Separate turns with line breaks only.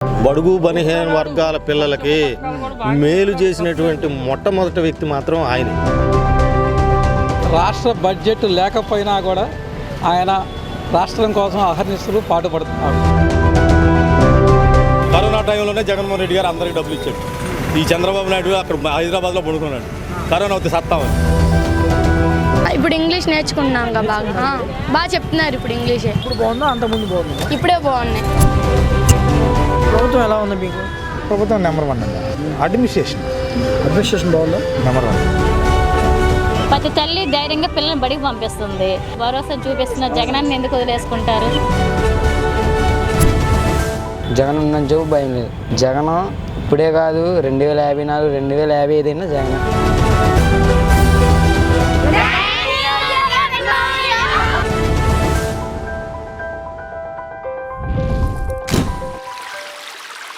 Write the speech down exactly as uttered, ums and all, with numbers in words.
బడుగు బలహీన వర్గాల పిల్లలకి మేలు చేసినటువంటి మొట్టమొదటి వ్యక్తి మాత్రం ఆయన.
రాష్ట్ర బడ్జెట్ లేకపోయినా కూడా ఆయన రాష్ట్రం కోసం అహర్నిశలు పాటుపడుతున్నారు.
కరోనా టైంలోనే జగన్మోహన్ రెడ్డి గారు అందరికీ డబ్బులు ఇచ్చాడు. ఈ చంద్రబాబు నాయుడు అక్కడ హైదరాబాద్లో పడుకున్నాడు. కరోనా వస్తే సత్తామని.
ఇప్పుడు ఇంగ్లీష్ నేర్చుకున్నాం కదా, బాగా బాగా చెప్తున్నారు ఇప్పుడు ఇంగ్లీషే.
ఇప్పుడు బాగుందా అంతకుముందు బాగుంది?
ఇప్పుడే బాగున్నాయి.
ప్రభుత్వం ఎలా ఉంది మీకు?
ప్రభుత్వం నెంబర్ వన్ అండి. అడ్మినిస్ట్రేషన్
అడ్మినిస్ట్రేషన్ బాగుందా?
Number one.
ప్రతి తల్లి ధైర్యంగా పిల్లల్ని బడికి పంపిస్తుంది. భరోసా చూపిస్తున్న జగనాన్ని ఎందుకు వదిలేసుకుంటారు?
జగన్ ఉన్న జబ్బు భయం లేదు. జగన్ ఇప్పుడే కాదు, రెండు వేల యాభై నాలుగు రెండు వేల యాభై ఐదు అయినా జగన్.